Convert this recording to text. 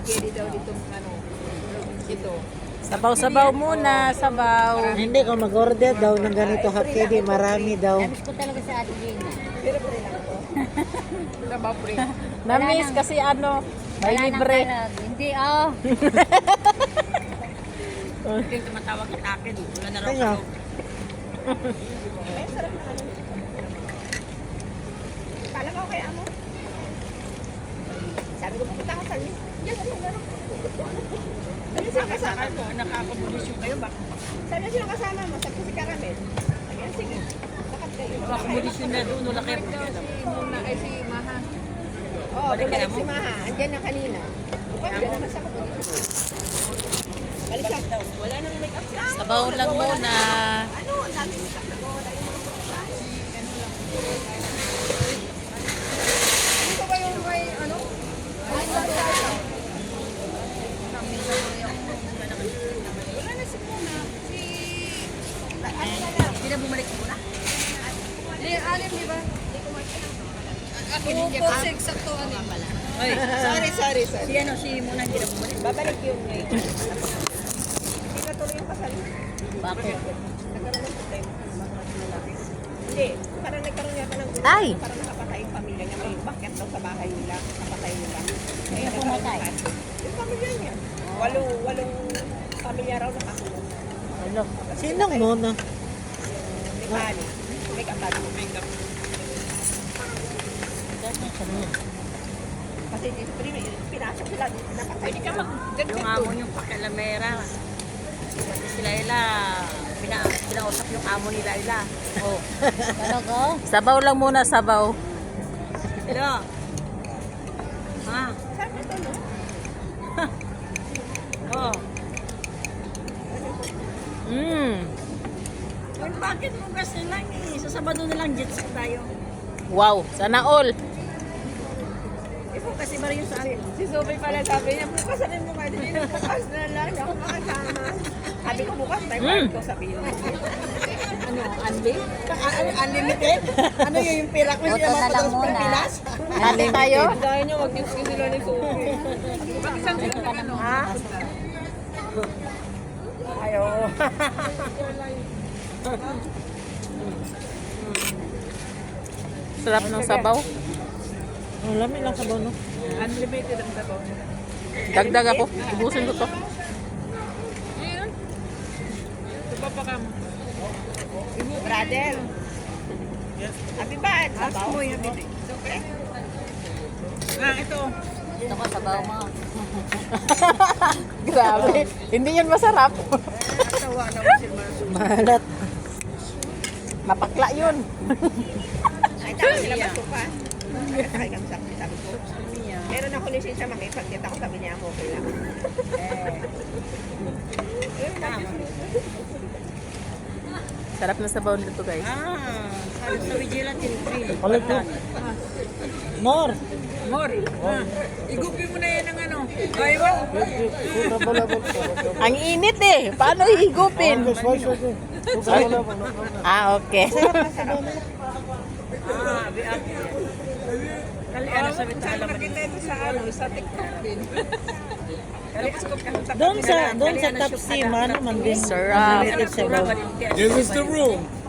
pwede daw dito ano. Ito. Sabaw-sabaw muna, sabaw. Hindi ko mag-order daw ng ganito hakidi, marami daw. Namiss ko talaga sa Ate Gina. Pero pre lang ito. Sabaw pre. Namiss kasi ano, may Wala nang libre. kalag. Hindi, oh. Hindi yung tumatawag kita akin. Wala na raw Kaya, Kala ko kaya mo. Sabi ko pupunta ka sa amin. Yes, ano gano'n. Sabi siya kasama mo. Nakakamunisyon kayo ba? Sabi siya kasama mo. Sabi ko si Caramel. Sabi niya, sige. Lakad kayo. Akamunisyon na doon, wala kayo problema. Si Maha. Oo, bumalik si Maha. Andyan na kanina. Bukas dyan naman sa kamunisyon. Balik siya. Wala nang make-up siya. Sabaw lang muna. Ano? Ang dami make-up na wala yung mga babae. Ano ba yung may ano? Wala na si Muna. Si... Ano na lang? Hindi na bumalik muna. Alim, di ba? Ako, posig sa to, alim pala. Oy, Sorry. si ano, si Muna hindi na bumalik. Babalik yun ngayon. Hindi na tuloy yung kasal. Bakit? Nagkaroon ng problema. Hindi, parang nagkaroon yata ng gulo. Ay! Parang nakapatay yung pamilya niya. May bakit daw sa bahay nila. Nakapatay nila. Kaya pumatay? Yung pamilya niya. Walong pamilya raw nakakulong. ano, sinong muna? May pali. May kapal. Kasi dito, pinasok sila. Napatay. Hindi ka Yung amo yung pakilamera. Pati si Laila, pinausap yung amo ni Laila. Oh. Talaga? Sabaw lang muna, sabaw. Hello. Ha? Saan ito, no? Oh. Well, bakit mo kasi lang eh? Sa Sabado na lang jet ski tayo. Wow, sana all. Ikaw kasi ba rin yung sa akin? Si Sophie pala sabi niya, bukas na mo kayo. Hindi bukas na lang. Hindi ako makasama. Sabi ko bukas, may parang ko sabihin mo. Ano, Andy? Unlimited? Ano yun yung pera ko? Boto na lang muna. Hati tayo? Dahil niya, wag-tips ko sila ni Sophie. Bakit saan sila ka naman? Ha? Ayo. Sarap ng sabaw. Ang lami lang sa bono. Unlimited ang sabaw. Dagdag ako. Ibusin ko to. Ito pa pa kam. Brother. Abi ba? Sabaw mo yung bibi. Okay? Ito. Ito ko, sabaw mo. Grabe. Hindi yun masarap. Tawa na mo si Marso. Mahalat. Mapakla yun. Ay, tawag sila masuka. Ay, kami sabi ko. Meron ako lisensya makipag-get ako, sabi niya ako, okay lang. Sarap na sabaw nito, guys. Sabi sa Vigilantin Free. Ulit po. More. Mor, igupin mo na yan ng ano. Ay mo. Ang init eh. Paano higupin? Ah, okay. Biak. Kali ano sabi ta alam Nakita ito sa ano, sa TikTok din. Doon sa top C, man din. Sarap. Unlimited sa bono. Give us the room.